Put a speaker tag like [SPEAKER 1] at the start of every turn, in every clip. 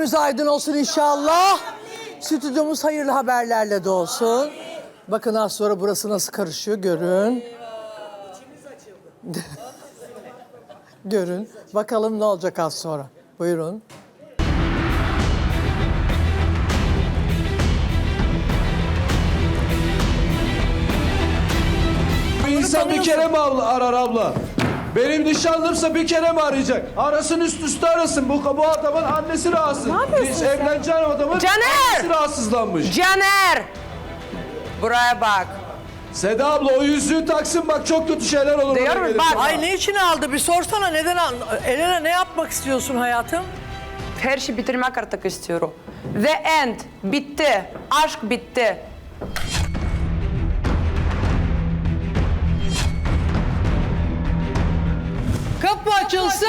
[SPEAKER 1] Önümüz aydın olsun inşallah. Stüdyomuz hayırlı haberlerle dolsun. Bakın az sonra burası nasıl karışıyor görün. Görün. Bakalım ne olacak az sonra. Buyurun.
[SPEAKER 2] İnsan bir kere mi arar abla? Benim nişanlımsa bir kere mi arayacak? Arasın üst üste arasın. Bu adamın annesi rahatsız. Biz evleneceğin adamın annesi rahatsızlanmış.
[SPEAKER 3] Caner! Buraya bak.
[SPEAKER 2] Seda abla o yüzüğü taksın bak çok kötü şeyler olur.
[SPEAKER 3] Diyorum bak.
[SPEAKER 1] Ay ne için aldı? Bir sorsana neden aldı? Elena ne yapmak istiyorsun hayatım?
[SPEAKER 3] Her şeyi bitirmek artık istiyorum. The end. Bitti. Aşk bitti.
[SPEAKER 1] Kapı açılsın.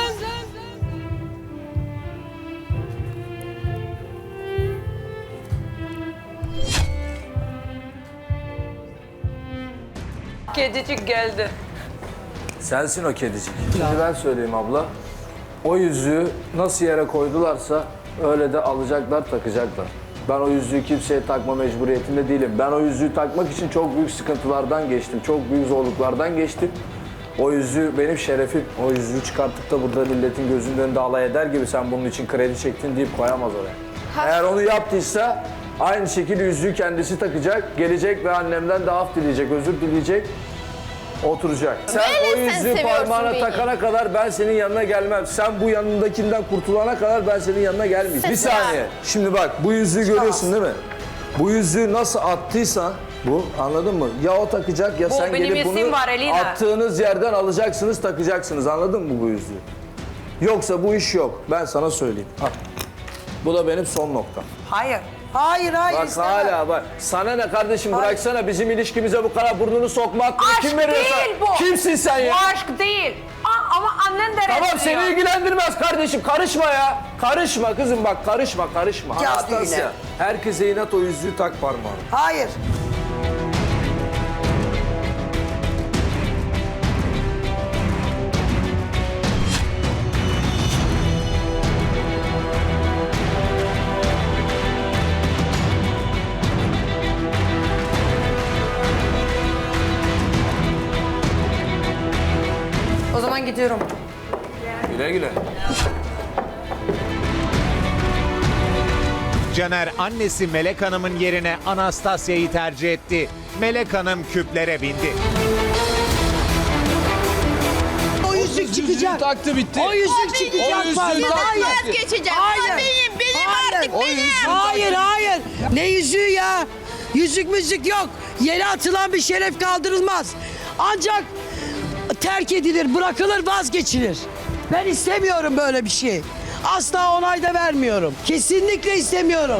[SPEAKER 3] Kedicik geldi.
[SPEAKER 4] Sensin o kedicik. Şimdi ben söyleyeyim abla. O yüzüğü nasıl yere koydularsa öyle de alacaklar, takacaklar. Ben o yüzüğü kimseye takma mecburiyetinde değilim. Ben o yüzüğü takmak için çok büyük sıkıntılardan geçtim. Çok büyük zorluklardan geçtim. O yüzüğü benim şerefim. O yüzüğü çıkartıp da burada milletin gözünün önünde alay eder gibi sen bunun için kredi çektin deyip koyamaz oraya. Eğer onu yaptıysa aynı şekilde yüzüğü kendisi takacak, gelecek ve annemden de af dileyecek, özür dileyecek. Oturacak. Sen o yüzüğü parmağına takana kadar ben senin yanına gelmem. Sen bu yanındakinden kurtulana kadar ben senin yanına gelmeyeceğim. Bir saniye. Şimdi bak bu yüzüğü görüyorsun değil mi? Bu yüzüğü nasıl attıysan bu anladın mı? Ya o takacak ya
[SPEAKER 3] Bu
[SPEAKER 4] sen
[SPEAKER 3] benim
[SPEAKER 4] gelip bunu
[SPEAKER 3] isim var, Elina.
[SPEAKER 4] attığınız yerden alacaksınız takacaksınız anladın mı bu yüzüğü? Yoksa bu iş yok. Ben sana söyleyeyim. Al. Bu da benim son noktam.
[SPEAKER 3] Hayır.
[SPEAKER 1] Hayır
[SPEAKER 4] Bak
[SPEAKER 1] istemem.
[SPEAKER 4] hala bak. Sana ne kardeşim bıraksana bizim ilişkimize bu kadar burnunu sokma hakkını
[SPEAKER 3] Aşk
[SPEAKER 4] kim veriyorsa.
[SPEAKER 3] değil bu.
[SPEAKER 4] Kimsin sen ya?
[SPEAKER 3] Bu aşk değil. Ama annen de
[SPEAKER 4] Tamam
[SPEAKER 3] reddediyor.
[SPEAKER 4] seni ilgilendirmez kardeşim karışma ya. Karışma kızım bak karışma.
[SPEAKER 1] Ya
[SPEAKER 4] Anastasya
[SPEAKER 1] düğüne.
[SPEAKER 4] herkese inat o yüzüğü tak parmağına.
[SPEAKER 1] Hayır.
[SPEAKER 3] O zaman gidiyorum.
[SPEAKER 4] Güle güle.
[SPEAKER 5] Caner annesi Melek Hanım'ın yerine Anastasya'yı tercih etti. Melek Hanım küplere bindi.
[SPEAKER 1] O yüzük
[SPEAKER 2] Yüzüğü
[SPEAKER 1] çıkacak.
[SPEAKER 2] taktı bitti.
[SPEAKER 1] O yüzük çıkacak.
[SPEAKER 2] yüzüğü
[SPEAKER 1] Hayır.
[SPEAKER 2] taktı.
[SPEAKER 1] Hayır.
[SPEAKER 6] Vazgeçeceğim.
[SPEAKER 1] Hayır.
[SPEAKER 6] O benim
[SPEAKER 1] Hayır.
[SPEAKER 6] artık
[SPEAKER 2] O
[SPEAKER 6] benim.
[SPEAKER 2] yüzüğü
[SPEAKER 1] Hayır
[SPEAKER 2] taktı.
[SPEAKER 1] hayır. Ne yüzüğü ya? Yüzük müzik yok. Yere atılan bir şeref kaldırılmaz. Ancak terk edilir, bırakılır, vazgeçilir. Ben istemiyorum böyle bir şey. Asla onay da vermiyorum. Kesinlikle istemiyorum.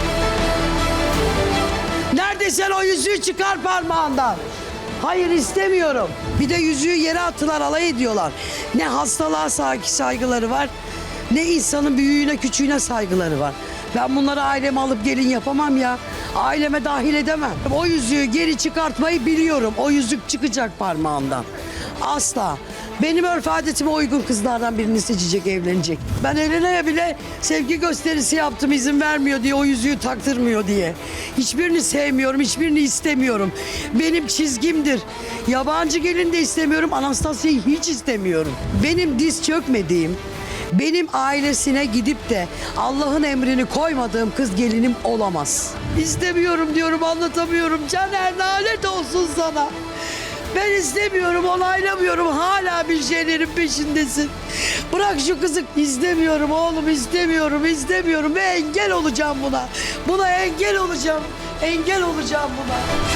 [SPEAKER 1] Nerede sen o yüzüğü çıkar parmağından. Hayır istemiyorum. Bir de yüzüğü yere attılar, alay ediyorlar. Ne hastalığa saygıları var, ne insanın büyüğüne küçüğüne saygıları var. Ben bunları aileme alıp gelin yapamam ya. Aileme dahil edemem. O yüzüğü geri çıkartmayı biliyorum. O yüzük çıkacak parmağımdan. Asla. Benim örf adetime uygun kızlardan birini seçecek, evlenecek. Ben Elena'ya bile sevgi gösterisi yaptım izin vermiyor diye, o yüzüğü taktırmıyor diye. Hiçbirini sevmiyorum, hiçbirini istemiyorum. Benim çizgimdir. Yabancı gelin de istemiyorum, Anastasya'yı hiç istemiyorum. Benim diz çökmediğim, benim ailesine gidip de Allah'ın emrini koymadığım kız gelinim olamaz. İstemiyorum diyorum, anlatamıyorum. Caner lanet olsun sana. Ben istemiyorum, onaylamıyorum. Hala bir şeylerin peşindesin. Bırak şu kızı. İstemiyorum oğlum, istemiyorum ve engel olacağım buna. Buna engel olacağım. Engel olacağım buna.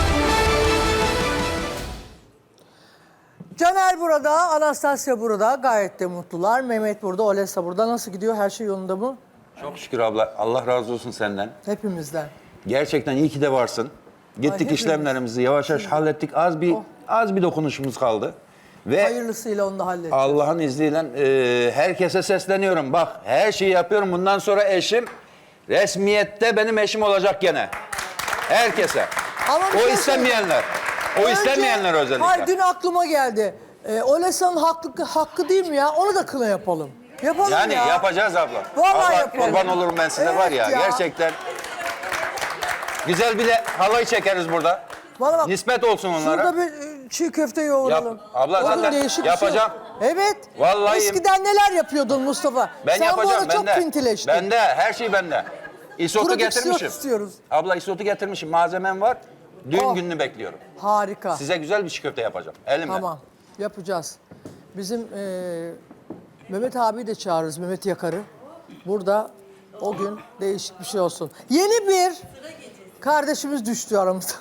[SPEAKER 1] Caner burada, Anastasya burada. Gayet de mutlular. Mehmet burada, Olesa burada. Nasıl gidiyor? Her şey yolunda mı?
[SPEAKER 7] Çok şükür abla. Allah razı olsun senden.
[SPEAKER 1] Hepimizden.
[SPEAKER 7] Gerçekten iyi ki de varsın. Gittik
[SPEAKER 1] hepimiz.
[SPEAKER 7] işlemlerimizi yavaş yavaş hallettik. Az bir dokunuşumuz kaldı. Ve
[SPEAKER 1] Hayırlısıyla onu da halledeceğiz.
[SPEAKER 7] Allah'ın izniyle herkese sesleniyorum. Bak her şeyi yapıyorum. Bundan sonra eşim resmiyette benim eşim olacak gene. Herkese.
[SPEAKER 1] Ama bir
[SPEAKER 7] O
[SPEAKER 1] şey
[SPEAKER 7] istemeyenler. O istemeyenler özellikle.
[SPEAKER 1] Hayır, dün aklıma geldi. Olesa'nın hakkı değil mi ya? Onu da kına yapalım.
[SPEAKER 6] Yapalım
[SPEAKER 7] Yani
[SPEAKER 6] ya.
[SPEAKER 7] yapacağız abla.
[SPEAKER 6] Vallahi
[SPEAKER 7] Allah
[SPEAKER 6] yapalım.
[SPEAKER 7] kurban olurum ben size
[SPEAKER 6] Evet
[SPEAKER 7] var ya,
[SPEAKER 6] ya.
[SPEAKER 7] gerçekten. Güzel bir de halay çekeriz burada.
[SPEAKER 6] Bana bak.
[SPEAKER 7] Nispet olsun onlara.
[SPEAKER 6] Şurada bir çiğ köfte yoğuralım.
[SPEAKER 7] Yap. Abla
[SPEAKER 6] O gün
[SPEAKER 7] zaten
[SPEAKER 6] değişik bir
[SPEAKER 7] yapacağım.
[SPEAKER 6] Şey. Evet.
[SPEAKER 7] Vallahi-
[SPEAKER 6] Eskiden neler yapıyordun Mustafa?
[SPEAKER 7] Ben
[SPEAKER 6] Sen
[SPEAKER 7] yapacağım,
[SPEAKER 6] bu arada çok
[SPEAKER 7] bende.
[SPEAKER 6] pintileştin.
[SPEAKER 7] Bende, her şey bende. İsotu
[SPEAKER 6] Prodüksiyon
[SPEAKER 7] getirmişim.
[SPEAKER 6] istiyoruz.
[SPEAKER 7] Abla isotu getirmişim, malzemem var. Düğün
[SPEAKER 6] Oh.
[SPEAKER 7] gününü bekliyorum.
[SPEAKER 6] Harika.
[SPEAKER 7] Size güzel bir çiğ köfte yapacağım, elimle.
[SPEAKER 6] Tamam. Yapacağız. Bizim Mehmet abi de çağırırız, Mehmet Yakar'ı. Burada o gün değişik bir şey olsun. Yeni bir kardeşimiz düştü aramızda.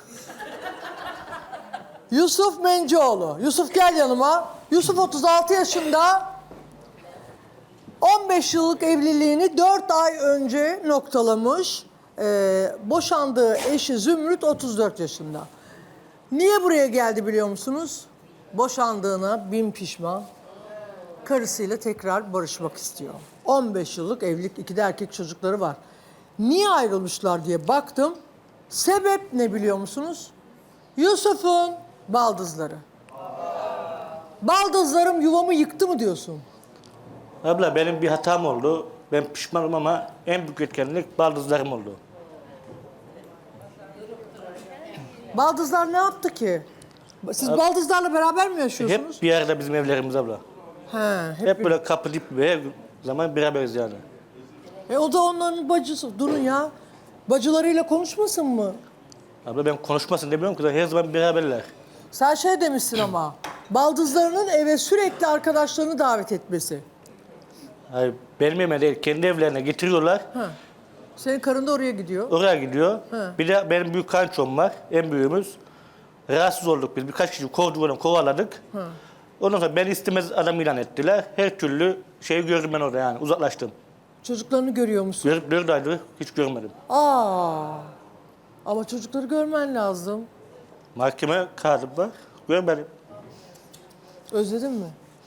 [SPEAKER 6] Yusuf Mencioğlu. Yusuf gel yanıma. Yusuf 36 yaşında. 15 yıllık evliliğini 4 ay önce noktalamış. Boşandığı eşi Zümrüt 34 yaşında. Niye buraya geldi biliyor musunuz? Boşandığına bin pişman. Karısıyla tekrar barışmak istiyor. 15 yıllık evlilik, 2 de erkek çocukları var. Niye ayrılmışlar diye baktım. Sebep ne biliyor musunuz? Yusuf'un baldızları. Baldızlarım yuvamı yıktı mı diyorsun?
[SPEAKER 8] Abla benim bir hatam oldu. Ben pişmanım ama en büyük etkenlik baldızlarım oldu.
[SPEAKER 6] Baldızlar ne yaptı ki? Siz baldızlarla beraber mi yaşıyorsunuz?
[SPEAKER 8] Hep bir yerde bizim evlerimiz abla.
[SPEAKER 6] He,
[SPEAKER 8] Hep böyle kapı dip ve her zaman beraberiz yani.
[SPEAKER 6] O da onların bacısı. Durun ya. Bacılarıyla konuşmasın mı?
[SPEAKER 8] Abla ben konuşmasın demiyorum ki her zaman beraberler.
[SPEAKER 6] Sen şey demişsin ama. Baldızlarının eve sürekli arkadaşlarını davet etmesi.
[SPEAKER 8] Hayır, benim evime değil, kendi evlerine getiriyorlar.
[SPEAKER 6] Senin karın da oraya gidiyor.
[SPEAKER 8] Oraya gidiyor.
[SPEAKER 6] He.
[SPEAKER 8] Bir de benim büyük kançom var, en büyüğümüz. Rahatsız olduk biz, birkaç kişi kovaladık. Ondan sonra beni istemez adam ilan ettiler. Her türlü şeyi gördüm ben orada yani, uzaklaştım.
[SPEAKER 6] Çocuklarını görüyor musun?
[SPEAKER 8] 4 aydır hiç görmedim.
[SPEAKER 6] Ama çocukları görmen lazım.
[SPEAKER 8] Mahkeme kağıdım var, görmedim.
[SPEAKER 6] Özledin mi?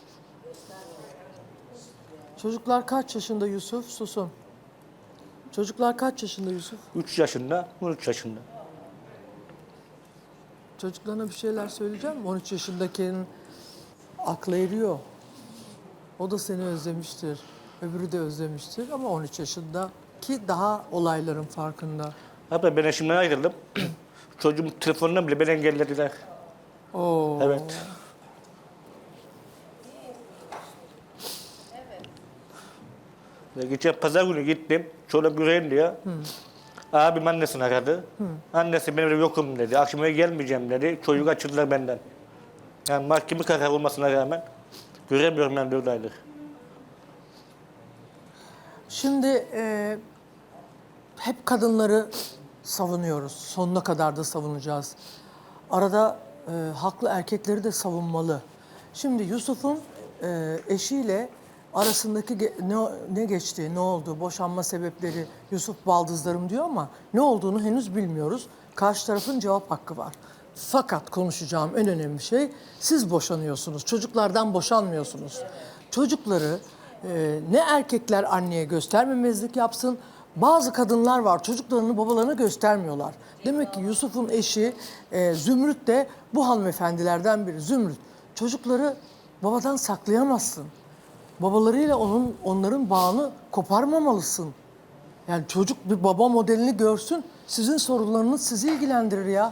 [SPEAKER 6] Çocuklar kaç yaşında Yusuf? Susun. Çocuklar kaç yaşında Yusuf?
[SPEAKER 8] 3 yaşında, 13 yaşında.
[SPEAKER 6] Çocuklarına bir şeyler söyleyeceğim mi? 13 yaşındakinin aklı eriyor. O da seni özlemiştir. Öbürü de özlemiştir ama 13 yaşındaki daha olayların farkında.
[SPEAKER 8] Abla ben eşimden ayrıldım. Çocuğum telefonundan bile beni engellediler.
[SPEAKER 6] Oo.
[SPEAKER 8] Evet. Ve geçen pazar günü gittim. Çoluk yüreğim diye. Abim annesini aradı. Annesi benim evde yokum dedi. Akşam eve gelmeyeceğim dedi. Çocuk açıldılar benden. Yani mahkeme kararı olmasına rağmen göremiyorum ben 4 aydır.
[SPEAKER 6] Şimdi hep kadınları savunuyoruz. Sonuna kadar da savunacağız. Arada haklı erkekleri de savunmalı. Şimdi Yusuf'un eşiyle arasındaki ne geçti, ne oldu, boşanma sebepleri, Yusuf baldızlarım diyor ama ne olduğunu henüz bilmiyoruz. Karşı tarafın cevap hakkı var. Fakat konuşacağım en önemli şey, siz boşanıyorsunuz, çocuklardan boşanmıyorsunuz. Çocukları ne erkekler anneye göstermemezlik yapsın, bazı kadınlar var çocuklarını babalarına göstermiyorlar. Demek ki Yusuf'un eşi Zümrüt de bu hanımefendilerden biri. Zümrüt, çocukları babadan saklayamazsın. Babalarıyla onların bağını koparmamalısın. Yani çocuk bir baba modelini görsün, sizin sorunlarınız sizi ilgilendirir ya.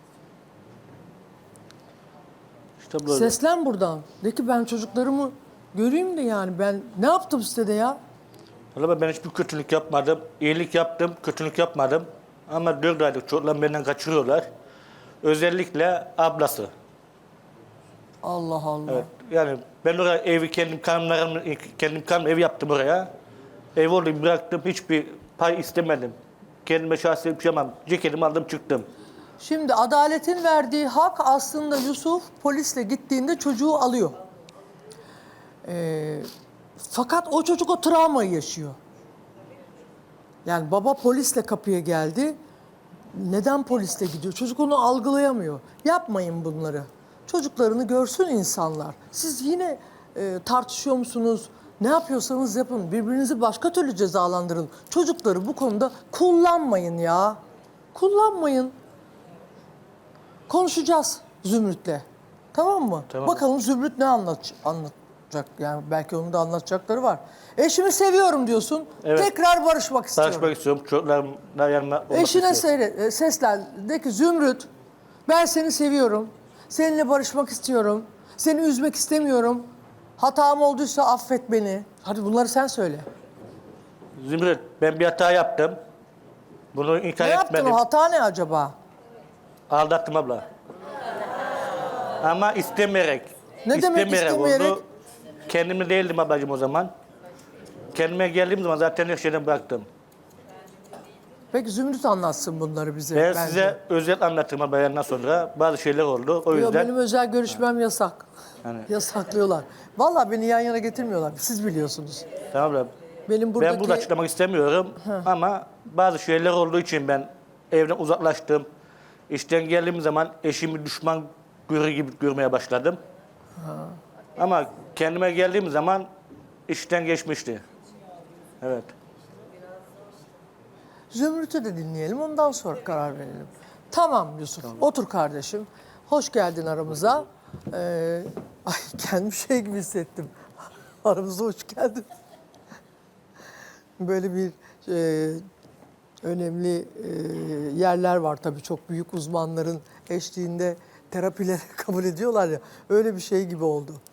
[SPEAKER 8] İşte böyle.
[SPEAKER 6] Seslen buradan. De ki ben çocuklarımı göreyim de yani ben ne yaptım size de ya?
[SPEAKER 8] Vallahi ben hiçbir kötülük yapmadım. İyilik yaptım, kötülük yapmadım. Ama 4 aylık çocuklar benden kaçırıyorlar. Özellikle ablası.
[SPEAKER 6] Allah Allah.
[SPEAKER 8] Evet. Yani ben oraya evi kendim kanım ev yaptım oraya. Ev orayı bıraktım. Hiçbir pay istemedim. Kendime şahsi bir şey yapmam. Ceketimi aldım çıktım.
[SPEAKER 6] Şimdi adaletin verdiği hak aslında Yusuf polisle gittiğinde çocuğu alıyor. Fakat o çocuk o travmayı yaşıyor. Yani baba polisle kapıya geldi. Neden polisle gidiyor? Çocuk onu algılayamıyor. Yapmayın bunları. Çocuklarını görsün insanlar. Siz yine tartışıyor musunuz? Ne yapıyorsanız yapın. Birbirinizi başka türlü cezalandırın. Çocukları bu konuda kullanmayın ya. Kullanmayın. Konuşacağız Zümrüt'le. Tamam mı?
[SPEAKER 8] Tamam.
[SPEAKER 6] Bakalım Zümrüt ne anlatacak Yani belki onun da anlatacakları var. Eşimi seviyorum diyorsun.
[SPEAKER 8] Evet.
[SPEAKER 6] Tekrar barışmak istiyorum.
[SPEAKER 8] Barışmak istiyorum. Çocuklarımla yanıma olmak
[SPEAKER 6] Eşine
[SPEAKER 8] istiyorum.
[SPEAKER 6] seslen. De ki Zümrüt, ben seni seviyorum. Seninle barışmak istiyorum. Seni üzmek istemiyorum. Hatam olduysa affet beni. Hadi bunları sen söyle.
[SPEAKER 8] Zümrüt, ben bir hata yaptım. Bunu inkar
[SPEAKER 6] Ne yaptın
[SPEAKER 8] etmedim.
[SPEAKER 6] o hata ne acaba?
[SPEAKER 8] Aldattım abla. Ama istemeyerek.
[SPEAKER 6] Ne demek istemeyerek?
[SPEAKER 8] oldu. Kendimde değildim ablacığım o zaman. Kendime geldiğim zaman zaten her şeyden bıraktım.
[SPEAKER 6] Peki Zümrüt anlatsın bunları bize.
[SPEAKER 8] Ben
[SPEAKER 6] bence.
[SPEAKER 8] size özel anlatırım abla yandan sonra. Bazı şeyler oldu. O
[SPEAKER 6] Yo,
[SPEAKER 8] yüzden
[SPEAKER 6] benim özel görüşmem yasak.
[SPEAKER 8] Yani-
[SPEAKER 6] Yasaklıyorlar. Vallahi beni yan yana getirmiyorlar. Siz biliyorsunuz.
[SPEAKER 8] tamam abla.
[SPEAKER 6] Benim buradaki...
[SPEAKER 8] Ben burada açıklamak istemiyorum ama bazı şeyler olduğu için ben evden uzaklaştım. İşten geldiğim zaman eşimi düşman gibi görmeye başladım. Ama kendime geldiğim zaman işten geçmişti. Evet.
[SPEAKER 6] Zümrüt'ü de dinleyelim, ondan sonra karar verelim. Tamam Yusuf, otur kardeşim. Hoş geldin aramıza. Ay kendimi şey gibi hissettim. Aramıza hoş geldin. Böyle bir önemli yerler var tabii, çok büyük uzmanların eşliğinde terapileri kabul ediyorlar ya. Öyle bir şey gibi oldu.